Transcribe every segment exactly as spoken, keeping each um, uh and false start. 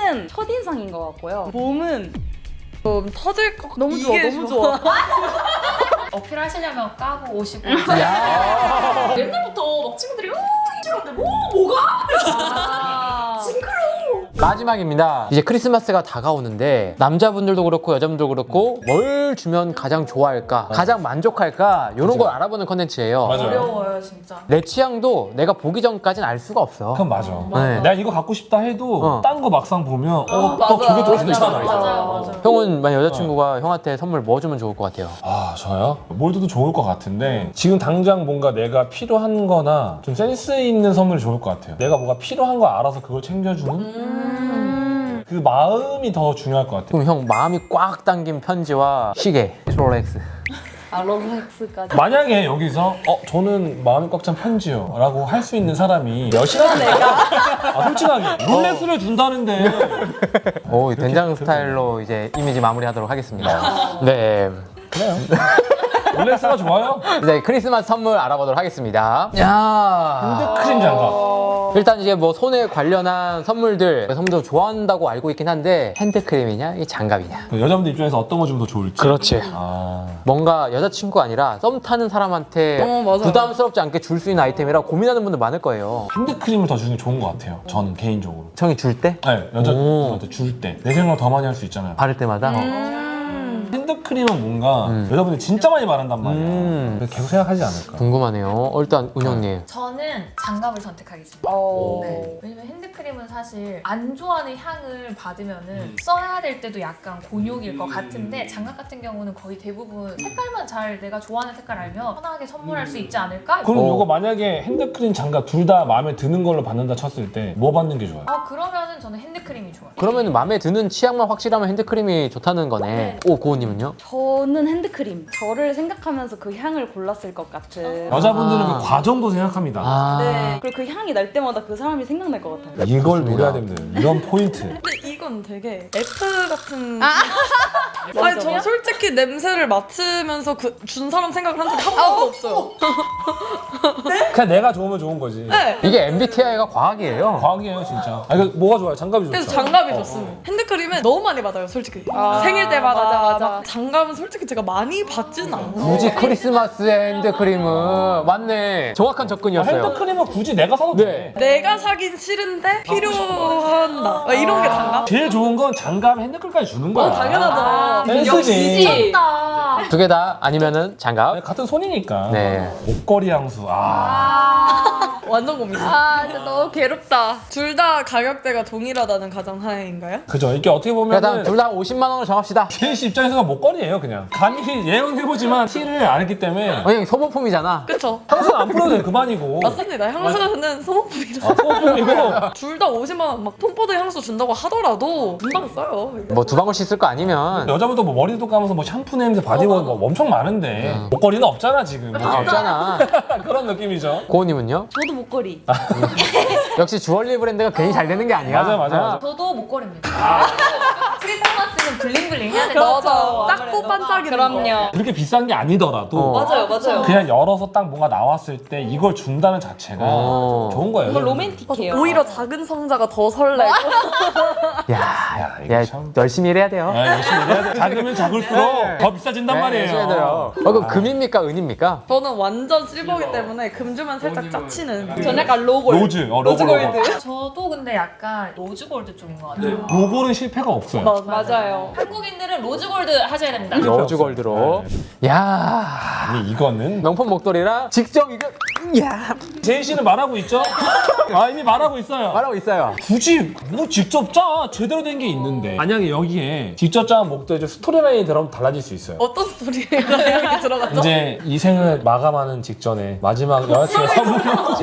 끈은 첫인상인 것 같고요. 몸은 좀 터질 것 같아. 너무 좋아, 너무 좋아. 어필하시려면 까고 오시고. 야. 옛날부터 막 친구들이 어 이러는데 뭐 뭐가? 아. 징그러워. 마지막입니다. 이제 크리스마스가 다가오는데 남자분들도 그렇고 여자분들도 그렇고 뭘 주면 가장 좋아할까, 가장 만족할까 이런 걸 알아보는 컨텐츠예요. 맞아요. 어려워요 진짜. 내 취향도 내가 보기 전까지는 알 수가 없어. 그건 맞아. 네. 내가 이거 갖고 싶다 해도 어. 딴 거 막상 보면 어, 어 맞아. 저게 더 수도 좋잖아. 있잖아. 맞아요 맞아요. 형은 만약 여자친구가 형한테 선물 뭐 주면 좋을 것 같아요? 아 저요? 뭘 줘도 좋을 것 같은데 지금 당장 뭔가 내가 필요한 거나 좀 센스 있는 선물이 좋을 것 같아요. 내가 뭐가 필요한 거 알아서 그걸 챙겨주는 음. 그 마음이 더 중요할 것 같아요. 그럼 형 마음이 꽉 담긴 편지와 시계, 롤렉스. 아, 롤렉스까지. 만약에 여기서 어 저는 마음이 꽉 찬 편지요 라고 할 수 있는 사람이 몇이나 내가? 아 솔직하게 롤렉스를 준다는데 오, 된장 스타일로 이제 이미지 마무리하도록 하겠습니다. 네. 그래요. 롤렉스가 좋아요? 이제 크리스마스 선물 알아보도록 하겠습니다. 야. 핸드크림 장갑. 일단 이제 뭐 손에 관련한 선물들 여성분들 좋아한다고 알고 있긴 한데 핸드크림이냐 이 장갑이냐. 그 여자분들 입장에서 어떤 거 주면 더 좋을지. 그렇지. 아 뭔가 여자친구 아니라 썸 타는 사람한테 어, 맞아요. 부담스럽지 않게 줄 수 있는 아이템이라 고민하는 분들 많을 거예요. 핸드크림을 더 주는 게 좋은 것 같아요. 저는 개인적으로. 형이 줄 때? 네, 여자분한테 줄 때 내 생각을 더 많이 할 수 있잖아요. 바를 때마다? 핸드크림은 뭔가 음. 여자분들이 진짜 많이 바른단 말이야. 음. 그래서 계속 생각하지 않을까. 궁금하네요. 어, 일단 은영님. 저는 장갑을 선택하겠습니다. 어. 네. 왜냐면 핸드크림은 사실 안 좋아하는 향을 받으면은 써야 될 때도 약간 곤욕일 것 같은데 장갑 같은 경우는 거의 대부분 색깔만 잘 내가 좋아하는 색깔 알면 편하게 선물할 수 있지 않을까? 그럼 어. 이거 만약에 핸드크림 장갑 둘 다 마음에 드는 걸로 받는다 쳤을 때 뭐 받는 게 좋아요? 아 그러면은 저는 핸드크림이 좋아요. 그러면 마음에 드는 취향만 확실하면 핸드크림이 좋다는 거네. 네. 오, 고은님은요? 저는 핸드크림. 저를 생각하면서 그 향을 골랐을 것 같은. 여자분들은 아. 그 과정도 생각합니다. 아. 네. 그리고 그 향이 날 때마다 그 사람이 생각날 것 같아요. 이걸 좋습니다. 노려야 됩니다. 이런 포인트. 근데 이건 되게 F 같은. 아. 아니 저 솔직히 냄새를 맡으면서 그 준 사람 생각을 한 적이 한 번도 없어요. 그냥 내가 좋으면 좋은 거지. 네. 이게 엠비티아이가 과학이에요. 과학이에요 진짜. 아 이거 뭐가 좋아요? 장갑이 좋죠. 그래서 장갑이 좋습니다. 핸드크림은 너무 많이 받아요, 솔직히. 아, 생일 때마다 맞아, 맞아. 막 장갑은 솔직히 제가 많이 받지는 않아요. 굳이 크리스마스에 핸드크림은 맞네. 정확한 어, 접근이었어요. 핸드크림은 굳이 내가 사도 네. 돼. 내가 사긴 싫은데 필요한다. 막 이런 게 장갑? 제일 좋은 건 장갑에 핸드크림까지 주는 거야. 어, 당연하죠. 센스지. 미쳤다. 두 개 다 아니면은 장갑. 네, 같은 손이니까. 네. 목걸이 향수. 아. 완전 고민. 아, 진짜 너무 괴롭다. 둘 다 가격대가 동일하다는 가정하에인가요? 그죠. 이게 어떻게 일단 보면은 둘 다 오십만 원으로 정합시다. 제인 씨 입장에서는 목걸이에요 그냥. 감히 예언해보지만 티를 안 했기 때문에 어, 형 소모품이잖아. 그쵸? 향수는 안 풀어도 돼 그만이고. 맞습니다. 향수는 소모품이라. 아, 소품이고. 둘 다 오십만 원 막 톰포드 향수 준다고 하더라도 금방 써요. 뭐 두 방울씩 쓸 거 아니면 여자분도 뭐 머리도 감아서 뭐 샴푸 냄새 바디워시 뭐 엄청 많은데 음. 목걸이는 없잖아 지금. 아, 없잖아. 그런 느낌이죠. 고은님은요? 저도 목걸이. 역시 주얼리 브랜드가 괜히 잘 되는 게 아니야. 맞아요, 맞아요, 맞아요. 저도 목걸이입니다. 크리스마스는 블링블링 해야 되죠. 맞아. 작고 반짝이는 거. 그럼요. 그렇게 비싼 게 아니더라도 어. 맞아요, 맞아요. 그냥 열어서 딱 뭔가 나왔을 때 이걸 준다는 자체가 어. 좋은 거예요. 이거 로맨틱해요. 오히려 작은 성자가 더 설레고. 야, 야, 이거 야, 참. 열심히 일해야 돼요. 아, 열심히 일해야 돼. 작으면 작을수록 네. 더 비싸진단 네, 말이에요. 열심히 해야 돼요. 어, 그럼 금입니까, 은입니까? 저는 완전 실버기 때문에 금 주면 살짝 짜치는. 전 약간 로골. 로즈, 어, 로즈 골드. 저도 근데 약간 로즈골드 쪽인 것 같아요. 로골은 실패가 없어요. 맞아요. 한국인들은 로즈골드 하셔야 됩니다. 로즈 골드로. 야, 아니 이거는 명품 목도리랑 직접 이거 야 제인 씨는 말하고 있죠? 아 이미 말하고 있어요. 말하고 있어요. 굳이 뭐 직접 짜 제대로 된 게 있는데 만약에 여기에 직접 짠 목도리 스토리라인이 들어가면 달라질 수 있어요. 어떤 스토리가 들어갔죠? 이제 이 생을 마감하는 직전에 마지막 여자친구 선물.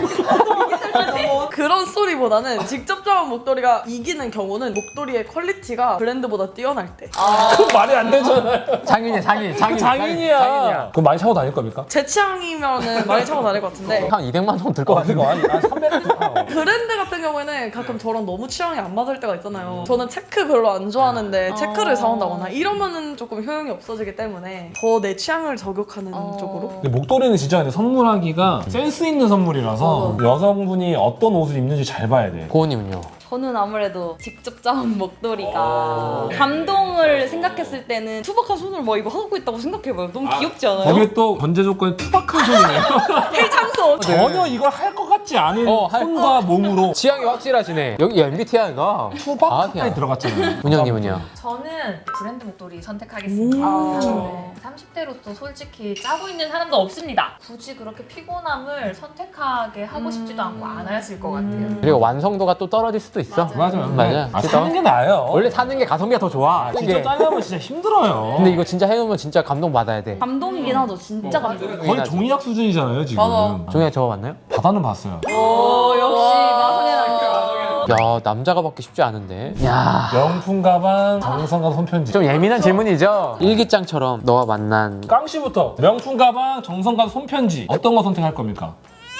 그런 스토리보다는 직접 잡은 목도리가 이기는 경우는 목도리의 퀄리티가 브랜드보다 뛰어날 때. 그 말이 안 되잖아요. 장인이야, 장인, 장인, 장인이야. 장인이야. 그럼 많이 차고 다닐 겁니까? 제 취향이면은 많이 차고 다닐 것 같은데 한 이백만 원 들 것 어, 같은데. 그거 아니, 한 삼백은 브랜드 같은 경우에는 가끔 저랑 너무 취향이 안 맞을 때가 있잖아요. 저는 체크 별로 안 좋아하는데 체크를 사온다거나 이러면은 조금 효용이 없어지기 때문에 더 내 취향을 저격하는 쪽으로. 근데 목도리는 진짜 근데 선물하기가 센스 있는 선물이라서 여성분이 어떤 옷을 입는지 잘 봐야 돼. 고은님은요? 저는 아무래도 직접 짜온 목도리가 감동을 생각했을 때는 투박한 손으로 막 이거 하고 있다고 생각해봐요. 너무 귀엽지 않아요? 거기에 또 전제 조건이 투박한 손이네요. 필창소. 전혀 이걸 할 것 같지 않은 어, 할- 손과 몸으로 취향이 확실하시네. 여기 엠비티아이가 투박까지 들어갔잖아요. 문영님은요? 저는 브랜드 목도리 선택하겠습니다. 오. 네. 삼십 대로서 솔직히 짜고 있는 사람도 없습니다. 굳이 그렇게 피곤함을 선택하게 하고 싶지도 않고 안 하실 것 같아요. 그리고 완성도가 또 떨어질 수도 있어. 맞아요. 맞아요. 아, 진짜. 사는 게 나아요. 원래 사는 게 가성비가 더 좋아. 진짜 이게. 짜려면 진짜 힘들어요. 근데 이거 진짜 해놓으면 진짜 감동 받아야 돼. 감동이긴 하죠. 진짜 감동. 거의 종이학 수준이잖아요 지금. 맞아. 종이야 저거 맞나요? 바다는 봤어요. 오 역시 마성의 남자. 야 남자가 받기 쉽지 않은데. 야. 명품 가방, 정성과 손편지. 좀 예민한 질문이죠? 일기장처럼 너와 만난 깡 씨부터 명품 가방, 정성과 손편지 어떤 거 선택할 겁니까?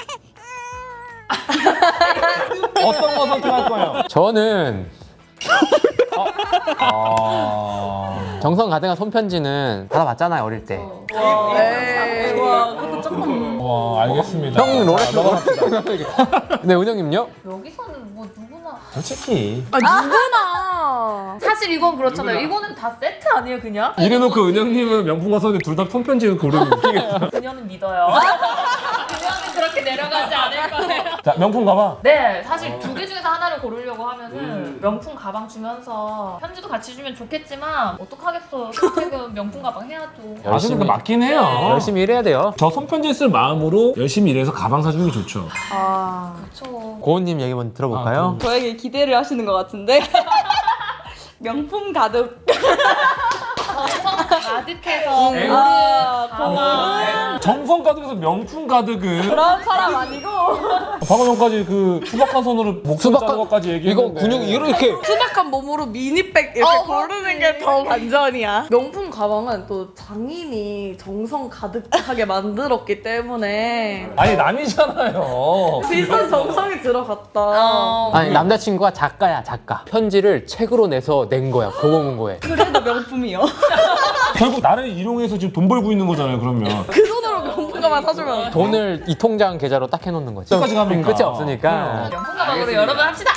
어떤 거 선택할 거예요? 저는 아... 정성 가득한 손편지는 받아봤잖아요 어릴 때. 에이. 와 그것도 조금. 와 알겠습니다. 형 롤렉스 자, 넘어갑시다. 네 은영님요? 여기서는 뭐 누구나 솔직히 아 누구나. 사실 이건 그렇잖아요. 이거는 다 세트 아니에요 그냥? 이래놓고 은영님은 명품과 손에 둘 다 손편지를 고르면 웃기겠다. 그녀는 믿어요. 그녀는 그렇게 내려가지 않을 거예요. 자 명품 가방. 네, 사실 두 개 중에서 하나를 고르려고 하면은 명품 가방 주면서 편지도 같이 주면 좋겠지만 어떡하겠어. 선택은 명품 가방 해야죠. 아 근데 그 맞긴 해요. 열심히 일해야 돼요. 저 손편지 쓸 마음으로 열심히 일해서 가방 사주는 게 좋죠. 아. 그렇죠. 고은님 얘기 한번 들어볼까요? 아, 저에게 기대를 하시는 것 같은데. 명품 가득. 정성 가득해서 음. 아, 가방. 정성 가득해서 명품 가득은 그런 사람 아니고. 방금 전까지 그 투박한 손으로 목숨 수박한- 짜는 것까지 이거 얘기했는데 근육 이렇게 투박한 몸으로 미니백 이렇게 어, 고르는 게 더 반전이야. 명품 가방은 또 장인이 정성 가득하게 만들었기 때문에 아니 남이잖아요. 비싼 정성이 들어갔다. 어. 아니 남자친구가 작가야 작가. 편지를 책으로 내서 낸 거야 고고문고에. 그래도 명품이요. 결국 나를 이용해서 지금 돈 벌고 있는 거잖아요. 그러면 그 돈으로 명품 가방 사주면 돈을 이 통장 계좌로 딱 해놓는 거지. 끝까지 가니까. 끝이 없으니까. 명품 가방으로 여러분 합시다.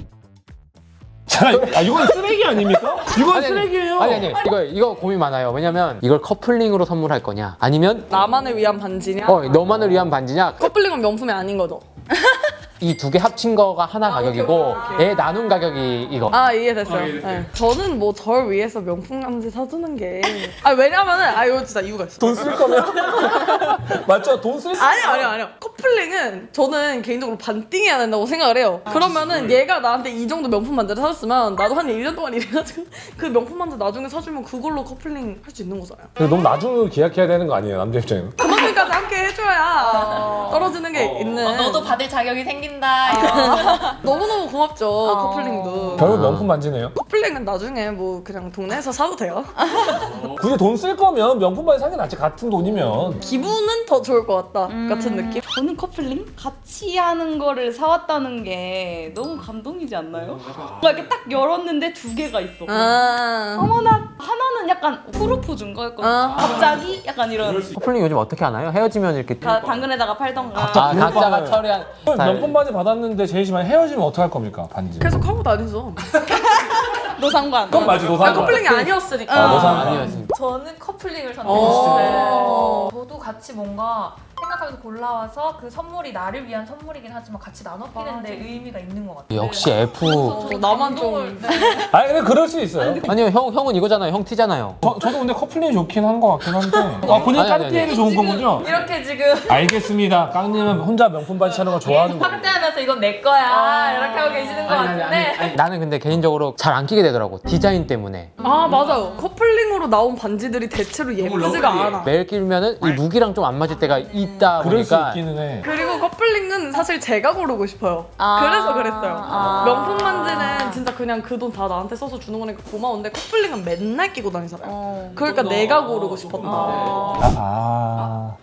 자, 아, 이건 쓰레기 아닙니까? 이건 아니, 아니, 쓰레기예요. 아니 아니 이거 이거 고민 많아요. 왜냐면 이걸 커플링으로 선물할 거냐 아니면 나만을 위한 반지냐? 어 너만을 위한 반지냐. 커플링은 명품이 아닌 거죠. 이 두 개 합친 거가 하나 가격이고 애 나눈 가격이 이거. 아 이해됐어요. 네. 저는 뭐 절 위해서 명품 반지 사주는 게. 아 왜냐면은 아 이거 진짜 이유가 있어. 돈 쓸 거면 맞죠? 돈 쓸. 아니요 아니요 아니요. 커플링은 저는 개인적으로 반띵해야 된다고 생각을 해요. 그러면은 얘가 나한테 이 정도 명품 반지를 사줬으면 나도 한 일 년 동안 일해가지고 그 명품 반지 나중에 사주면 그걸로 커플링 할 수 있는 거잖아요. 너무 나중에 계약해야 되는 거 아니에요, 남자 입장에는? 그만큼까지 함께 해줘야 떨어지는 게 있는. 어, 너도 받을 자격이 생긴다. 이런. 너무너무 고맙죠 커플링도. 결국 명품 반지네요. 커플링은 나중에 뭐 그냥 동네에서 사도 돼요. 굳이 돈 쓸 거면 명품 반지 사는 게 낫지. 같은 돈이면. 기분은 더 좋을 것 같다 음. 같은 느낌. 저는 커플링? 같이 하는 거를 사왔다는 게 너무 감동이지 않나요? 뭔가 이렇게 딱 열었는데 두 개가 있어. 아. 어머나 하나는 약간 프로포즈인 거였거든요. 아. 갑자기 약간 이런 커플링 요즘 어떻게 하나요? 헤어지면 이렇게 가, 당근에다가 팔던가. 아 각자가 비밀번호를. 처리한 명품 반지 받았는데 제일 심한 헤어지면 어떡할 겁니까, 반지? 계속 하고 다니죠. 너 상관. 그건 맞지, 노상. 아, 커플링이 아니었으니까. 아, 노상. 아니었지. 저는 커플링을 어. 선택했어요. 저도 같이 뭔가 생각하면서 골라와서 그 선물이 나를 위한 선물이긴 하지만 같이 나눠 끼는데 의미가 있는 것 같아요. 역시 F. 어, 나만 좀. 감동을- 네. 아니, 근데 그럴 수 있어요. 아니요 형 형은 이거잖아요. 형 티잖아요. 저, 저도 근데 커플링이 좋긴 한 것 같긴 한데. 아, 본인 아니, 아니, 까르띠에가 아니. 좋은 거군요. 이렇게 지금 알겠습니다. 깡님은 혼자 명품 반지 사는 거 좋아하는 거예요. 확대하면서 이건 내 거야 이렇게 하고 계시는 것 같은데 아니, 나는 근데 개인적으로 잘 안 끼게 되더라고. 디자인 때문에. 아 맞아요. 커플링으로 나온 반지들이 대체로 예쁘지가 않아. 매일 끼면은 이 룩이랑 좀 안 맞을 때가 있다 그럴 수 보니까. 있기는 해. 그리고 커플링은 사실 제가 고르고 싶어요. 아. 그래서 그랬어요. 아. 명품 반지는 진짜 그냥 그 돈 다 나한테 써서 주는 거니까 고마운데 커플링은 맨날 끼고 다니잖아요. 어. 그러니까 내가 고르고 싶었다. 아. 아, 아.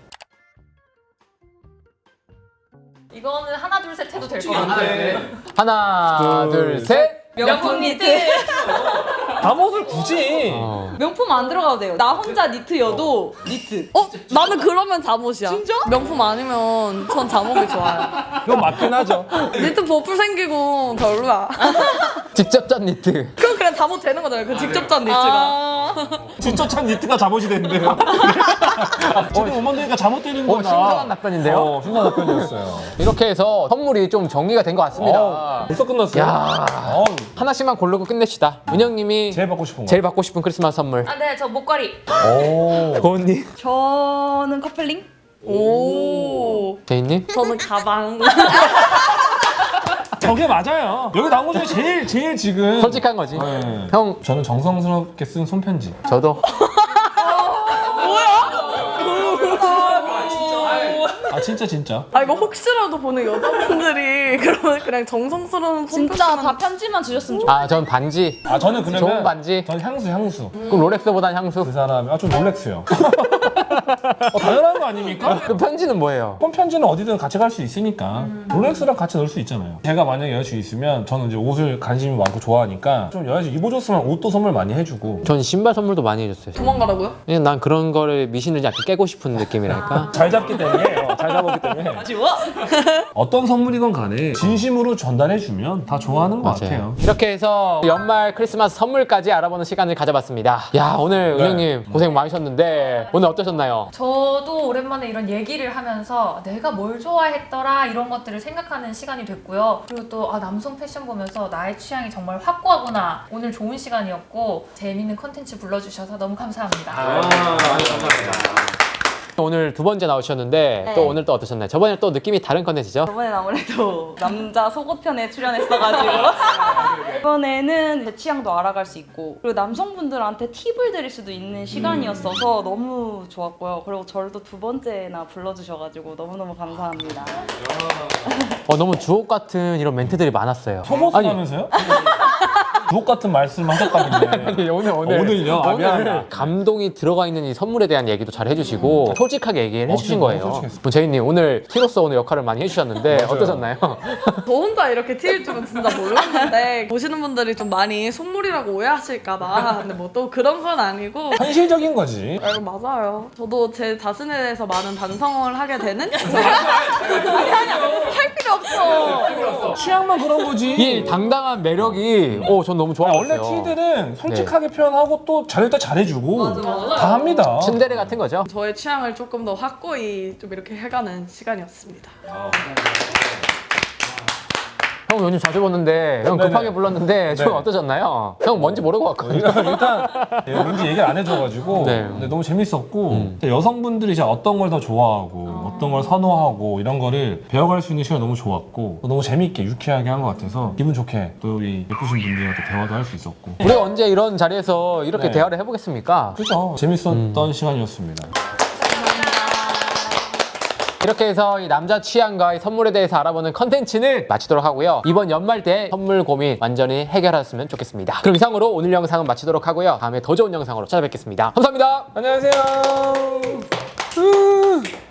이거는 하나 둘 셋 해도 될 것 같아요. 하나 둘, 둘 셋. 명품 니트 잠옷을 굳이. 어. 명품 안 들어가도 돼요. 나 혼자 니트여도 니트. 어? 나는 그러면 잠옷이야. 진짜? 명품 아니면 전 잠옷이 좋아요. 이건 맞긴 하죠. 니트 버플 생기고 별로야. 직접 짠 니트. 그럼 그냥 잠옷 되는 거잖아요. 그 직접 짠 니트가. 아. 진짜 참 니트가 잠옷이 됐는데요. 지금 오만 되니까 잠옷 되는 어, 거다. 신선한 답변인데요? 어, 신선한 답변이었어요. 이렇게 해서 선물이 좀 정리가 된 것 같습니다. 어, 벌써 끝났어요. 야. 어우, 하나씩만 고르고 끝냅시다. 은영님이 제일 받고 싶은 거. 제일 받고 싶은 크리스마스 선물. 아, 네, 저 목걸이. 오. 고은님, 저는 커플링? 오. 제이님. 저는 가방. 저게 맞아요. 여기 나온 거 중에 제일 제일 지금 솔직한 거지. 네. 형, 저는 정성스럽게 쓴 손편지. 저도. 아 진짜 진짜. 아 이거 혹시라도 보는 여자분들이 그러면 그냥 정성스러운 진짜 손편지만- 다 편지만 주셨으면 좋겠어요. 아, 전 반지. 아 저는 그러면 좋은 반지. 전 향수 향수. 그럼 롤렉스보단 향수. 그 사람이 아좀 롤렉스요. 어, 당연한 거 아닙니까? 그 편지는 뭐예요? 폰편지는 어디든 같이 갈 수 있으니까 롤렉스랑 같이 넣을 수 있잖아요. 제가 만약에 여자친구 있으면 저는 이제 옷을 관심이 많고 좋아하니까 좀 여자친구 입어줬으면 옷도 선물 많이 해주고 전 신발 선물도 많이 해줬어요. 도망가라고요? 그냥 난 그런 거를 미신을 약간 깨고 싶은 느낌이랄까? 잘 잡기 때문에 어, 잘 잡았기 때문에 지워? 어떤 선물이건 간에 진심으로 전달해주면 다 좋아하는 것 같아요. 이렇게 해서 연말 크리스마스 선물까지 알아보는 시간을 가져봤습니다. 야, 오늘 네. 은영님 고생 많으셨는데 오늘 어떠셨나요? 저도 오랜만에 이런 얘기를 하면서 내가 뭘 좋아했더라 이런 것들을 생각하는 시간이 됐고요. 그리고 또 아, 남성 패션 보면서 나의 취향이 정말 확고하구나. 오늘 좋은 시간이었고 재밌는 컨텐츠 불러주셔서 너무 감사합니다. 오늘 두 번째 나오셨는데 네. 또 오늘 또 어떠셨나요? 저번에 또 느낌이 다른 컨텐츠죠? 저번엔 아무래도 남자 속옷편에 출연했어가지고 이번에는 제 취향도 알아갈 수 있고 그리고 남성분들한테 팁을 드릴 수도 있는 시간이었어서 너무 좋았고요. 그리고 저를 또 두 번째나 불러주셔가지고 너무너무 감사합니다. 어, 너무 주옥 같은 이런 멘트들이 많았어요. 소모스라면서요? 주옥 같은 말씀 하셨다길래. 아니, 오늘 오늘 어, 오늘요? 아, 미안하다. 오늘 감동이 들어가 있는 이 선물에 대한 얘기도 잘 해주시고 솔직하게 얘기를 어, 해주신 진짜 거예요. 너무 솔직했어. 뭐 제이님 오늘 티로서 오늘 역할을 많이 해주셨는데 맞아요. 어떠셨나요? 저 혼자 이렇게 튀일 줄은 진짜 몰랐는데 보시는 분들이 좀 많이 선물이라고 오해하실까봐 근데 뭐 또 그런 건 아니고 현실적인 거지. 아, 이거 맞아요. 저도 제 자신에 대해서 많은 반성을 하게 되는 할 필요 없어. 취향만 그런 거지. 이 당당한 매력이 어, 전 너무 아, 원래 좋아했어요. 티들은 솔직하게 표현하고 또 잘할 때 잘해주고 맞아. 다 합니다. 츤데레 같은 거죠? 저의 취향을 조금 더 확고히 좀 이렇게 해가는 시간이었습니다. 형 요즘 자주 보는데 형 네네. 급하게 불렀는데 좀 네. 어떠셨나요? 형 뭔지 모르고 왔거든요. 일단, 일단 예, 뭔지 얘기를 안 해줘가지고 네. 근데 너무 재밌었고 음. 근데 여성분들이 이제 어떤 걸 더 좋아하고 어떤 걸 선호하고 이런 거를 배워갈 수 있는 시간이 너무 좋았고 또 너무 재밌게 유쾌하게 한 것 같아서 기분 좋게 또 우리 예쁘신 분들이랑 또 대화도 할 수 있었고 우리가 언제 이런 자리에서 이렇게 네. 대화를 해보겠습니까? 그죠? 재밌었던 음. 시간이었습니다. 이렇게 해서 이 남자 취향과 이 선물에 대해서 알아보는 컨텐츠는 마치도록 하고요. 이번 연말 때 선물 고민 완전히 해결하셨으면 좋겠습니다. 그럼 이상으로 오늘 영상은 마치도록 하고요. 다음에 더 좋은 영상으로 찾아뵙겠습니다. 감사합니다. 안녕하세요.